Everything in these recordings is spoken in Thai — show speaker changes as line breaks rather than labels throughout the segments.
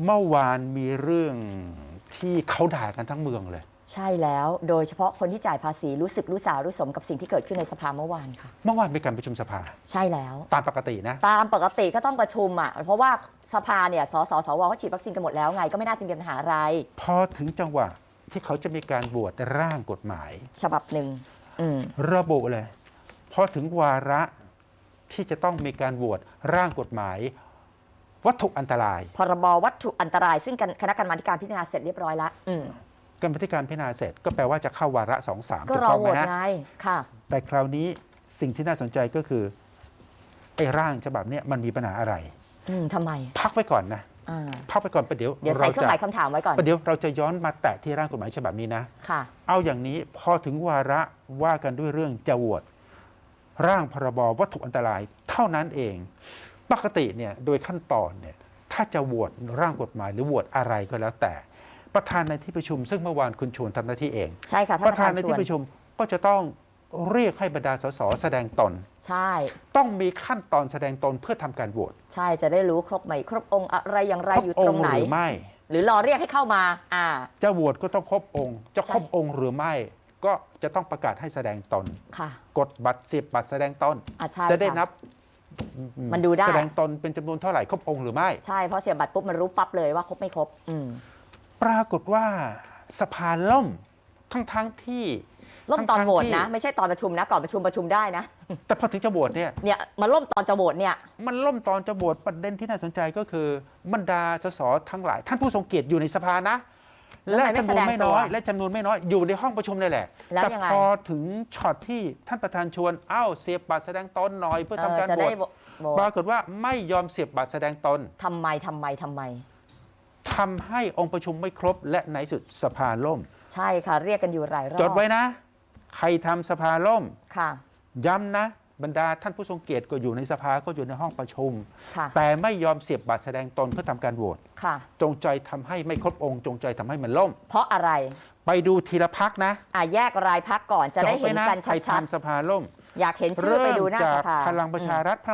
เมื่อวานมีเรื่องที่เขาด่ากันทั้งเมืองเลย
ใช่แล้วโดยเฉพาะคนที่จ่ายภาษีรู้สึกรู้สารู้สมกับสิ่งที่เกิดขึ้นในสภาเมื่อวานค่ะ
เมื่อวานมีการประชุมสภา
ใช่แล้ว
ตามปกตินะ
ตามปกติก็ต้องประชุมอ่ะเพราะว่าสภาเนี่ยสสวเขาฉีดวัคซีนกันหมดแล้วไงก็ไม่น่าจะมีปัญหาอะไร
พอถึงจังหวะที่เขาจะมีการบวชร่างกฎหมาย
ฉบับหนึ่ง
ระบุเลยพอถึงวาระที่จะต้องมีการบวชร่างกฎหมายวัตถุอันตราย
พรบวัตถุอันตรายซึ่งคณะกรรมาการพิจารณาเสร็จเรียบร้อยแล้ว
กรรมาธิการพิจารณาเสร็จก็แปลว่าจะเข้าวาระ 2-3
ก็รอโหวตไงค่ะ
แต่คราวนี้สิ่งที่น่าสนใจก็คือไอ้ร่างฉบับนี้มันมีปัญหาอะไร
ทำไม
พักไว้ก่อนนะพักไปก่อนประเดี๋ยว
ใส่เครื่องหมายคำถามไว้ก่อน
ประเดี๋ยวเราจะย้อนมาแตะที่ร่างกฎหมายฉบับนี้นะ
ค่ะ
เอาอย่างนี้พอถึงวาระว่ากันด้วยเรื่องจะโหวตร่างพรบวัตถุอันตรายเท่านั้นเองปกติเนี่ยโดยขั้นตอนเนี่ยถ้าจะโหวตร่างกฎหมายหรือโหวตอะไรก็แล้วแต่ประธานในที่ประชุมซึ่งเมื่อวานคุณชวนทำหน้าที่เอง
ใช่ค่ะ
ประธานในที่ประชุมก็จะต้องเรียกให้บรรดาสสแสดงตน
ใช่
ต้องมีขั้นตอนแสดงตนเพื่อทำการโหวต
ใช่จะได้รู้ครบไหมครบองค์อะไรอย่างไรอยู่ตรงไหน
หรือไม่
หรือรอเรียกให้เข้ามา
จะโหวตก็ต้องครบองค์จะครบองค์หรือไม่ก็จะต้องประกาศให้แสดงตนกดบัตรเสียบบัตรแสดงตนจะได้นับ
มันดูได้
แสดงตนเป็นจำนวนเท่าไหร่ครบองค์หรือไม่
ใช่เพราะเสียบบัตรปุ๊บมันรู้ปั๊บเลยว่าครบไม่ครบ
ปรากฏว่าสภาล่มทั้งที่
ล่มตอนโหวตนะไม่ใช่ตอนประชุมนะก่อนประชุมได้นะ
แต่พอถึงจะโหวตเนี่ย
มาล่มตอนจะโหวตเนี่ย
มันล่มตอนจะโหวตประเด็นที่น่าสนใจก็คือบรรดาสสทั้งหลายท่านผู้ทรงเกียรติอยู่ในสภานะและจำนวนไม่น้อยอยู่ในห้องประชุมนี่แหละแต่พอถึงช็อตที่ท่านประธานชวนเสียบบัตรแสดงตนหน่อยเพื่อทำการโหวตปรากฏว่าไม่ยอมเสียบบัตรแสดงตน
ทำไมทำ
ให้องค์ประชุมไม่ครบและในสุดสภาล่ม
ใช่ค่ะเรียกกันอยู่หลายรอบ
จดไว้นะใครทำสภาล่ม
ค่ะ
ย้ำนะบรรดาท่านผู้ทรงเกียรติก็อยู่ในสภาก็อยู่ในห้องประชุมแต่ไม่ยอมเสียบบัตรแสดงตนเพื่อทำการโหวตจงใจทำให้ไม่ครบองค์จงใจทำให้มันล่ม
เพราะอะไร
ไปดูทีละพักนะ
แยกรายพักก่อนจะได้เห็นกันชัดๆใคร
ทำสภาล่ม
อยากเห็นชื่อไปดูหน้าสภา
พลังประชารัฐ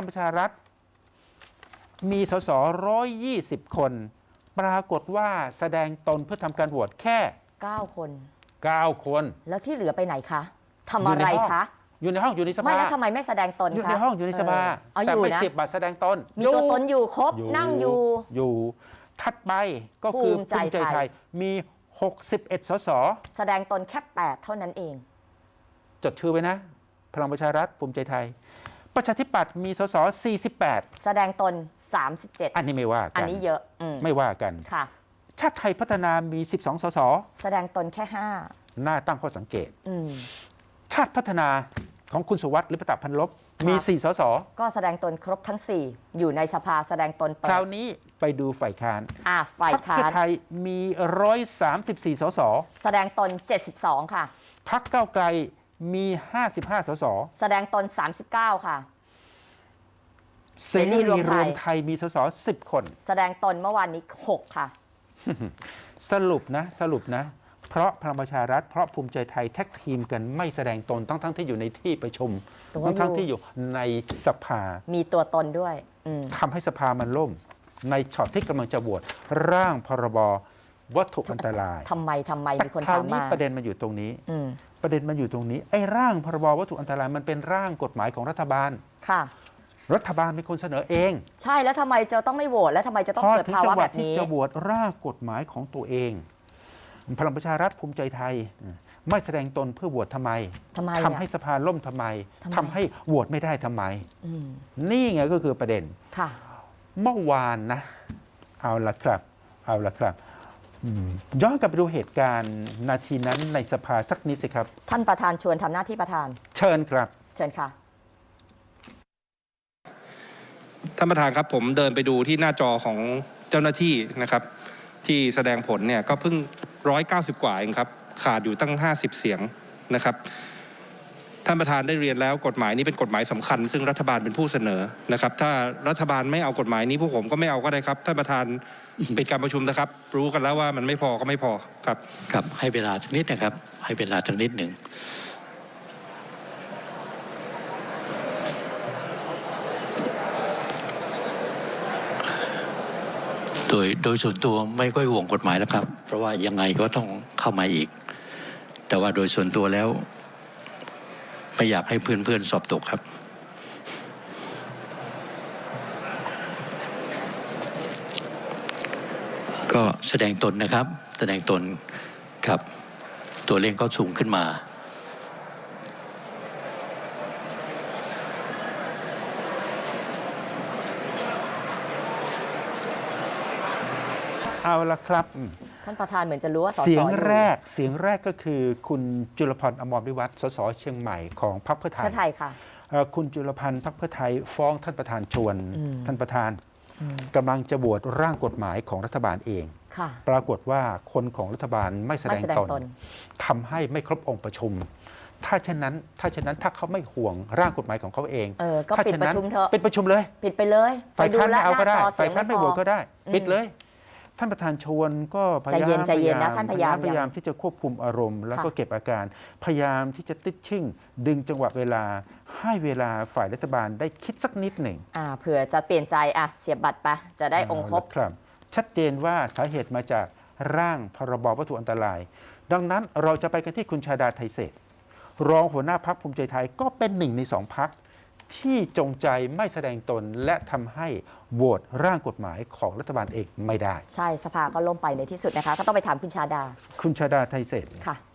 มีสส120 คนปรากฏว่าแสดงตนเพื่อทำการโหวตแค่
9 คน
9 คน
แล้วที่เหลือไปไหนคะทำอะไรคะ
อยู่ในห้องอยู่ในสภา
ไม่แล้วทำไมไม่แสดงตนคะ
อยู่ในห้องอยู่ในสภาแต่ไม่เสียบบัตรแสดงตน
มีตัวตนอยู่ครบนั่ง
อยู่ถัดไปก็คือภูมิใจไทยมี61 สส
แสดงตนแค่8เท่านั้นเอง
จดชื่อไว้นะพลังประชารัฐภูมิใจไทยประชาธิปัตย์มีสส48
แสดงตน37
อันนี้ไม่ว่ากัน
อันนี้เยอะ
ไม่ว่ากัน
ค่ะ
ชาติไทยพัฒนามี12 สส
แสดงตนแค่
5น่าตั้งข้อสังเกตชาติพัฒนาของคุณสุวัสดิ์ลิปตะพันลบมี4 สส
ก็แสดงตนครบทั้ง4อยู่ในสภาแสดงตน
คราวนี้ไปดูฝ่ายค้าน
ฝ่ายค้าน
พรรคเพื่อไทยมี134 สส
แสดงตน72ค่ะ
พรรคก้าวไกลมี55 สส
แสดงตน39ค่ะ
เสรีรวมไทยมีสส10 คน
แสดงตนเมื่อวานนี้6ค่ะ
สรุปนะเพราะพลังประชารัฐเพราะภูมิใจไทยแท็กทีมกันไม่แสดงตนทั้งที่อยู่ในที่ประชุมทั้งที่อยู่ในสภา
มีตัวตนด้วย
ทำให้สภามันล่มในช็อตที่กำลังจะโหวตร่างพรบวัตถุอันตราย
ทำไมมีคน
ถามมาประเด็นมันอยู่ตรงนี้ไอ้ร่างพรบวัตถุอันตรายมันเป็นร่างกฎหมายของรัฐบาล
ค่ะ
รัฐบาลเป็นคนเสนอเอง
ใช่แล้วทำไมจะต้องไม่โหวตแล้วทำไมจะต้องเกิดภาวะแบบนี้
ที่จะโหวตร่างกฎหมายของตัวเองพลังประชารัฐภูมิใจไทยไม่แสดงตนเพื่อโหวตทำไมทำให้สภาล่มทำไมทำให้โหวตไม่ได้ทำไมนี่ไงก็คือประเด็นเมื่อวานนะเอาละครับย้อนกลับไปดูเหตุการณ์นาทีนั้นในสภาสักนิดสิครับ
ท่านประธานชวนทำหน้าที่ประธาน
เชิญครับ
เชิญค่ะ
ท่านประธานครับผมเดินไปดูที่หน้าจอของเจ้าหน้าที่นะครับที่แสดงผลเนี่ยก็เพิ่ง190 กว่าเองครับขาดอยู่ตั้ง50 เสียงนะครับท่านประธานได้เรียนแล้วกฎหมายนี้เป็นกฎหมายสำคัญซึ่งรัฐบาลเป็นผู้เสนอนะครับถ้ารัฐบาลไม่เอากฎหมายนี้พวกผมก็ไม่เอาก็ได้ครับท่านประธานปิดการประชุมนะครับรู้กันแล้วว่ามันไม่พอก็ไม่พอครับ
ครับให้เวลาสักนิดนะครับให้เวลาสักนิดหนึ่งโดยส่วนตัวไม่ค่อยห่วงกฎหมายแล้วครับ เพราะว่ายังไงก็ต้องเข้ามาอีก แต่ว่าโดยส่วนตัวแล้วไม่อยากให้เพื่อนๆสอบตกครับ ก็แสดงตนนะครับ แสดงตนครับตัวเลขก็สูงขึ้นมา
เอาละครับ
ท่านประธานเหมือนจะรู้ว่าสส
เสียง
อยู่
แรกก็คือคุณจุลพันธ์อมรวิวัฒน์สสเชียงใหม่ของพรรคเพื่อไทย
เพื่อไทยค่ะ
คุณจุลพันธ์พรรคเพื่อไทยฟ้องท่านประธานชวน
อืม
ท่านประธานกำลังจะบวชร่างกฎหมายของรัฐบาลเอง
ค่ะ
ปรากฏว่าคนของรัฐบาลไม่แสด
ไม่
ง
แสดง
ตน
ตน
ทำให้ไม่ครบองค์ประชุม ถ้าเช่นนั้นถ้าเขาไม่ห่วงร่างกฎหมายของเขาเอง
ก็
ถ้า
ปิด
เช่น
ประ
นั้น
ชุมเถอะ
ปิดประชุมเลย
ปิดไปเลย
ฝ่ายค้าน
แล้
ไม่เอาก็ได้
หน้จอเสี
ฝ่าย
ง
ค้านไม่
พ
โหว
อ
ตก็ได้
อืม
ปิดเลย ท่านประธานชวนก็พยายาม
ใจเย็นนะท่านพยายาม
พยายามที่จะควบคุมอารมณ์ แล้วก็
ค่ะ
เก็บอาการ พยายามที่จะติดชิ่ง ดึงจังหวะเวลาให้เวลาฝ่ายรัฐบาลได้คิดสักนิดหนึ่ง
เผื่อจะเปลี่ยนใจเสียบบัตรไปจะได้องค์ครบ
เอาละครับ ชัดเจนว่าสาเหตุมาจากร่างพรบวัตถุอันตราย ดังนั้นเราจะไปกันที่คุณชาดาไทเศษรองหัวหน้าพักภูมิใจไทยก็เป็นหนึ่งในสองพักที่จงใจไม่แสดงตนและทำให้โหวตร่างกฎหมายของรัฐบาลเองไม่ได้
ใช่สภาก็ล่มไปในที่สุดนะคะก็ต้องไปถามคุณชาดา
คุณชาดาไทเศษ
ค่ะ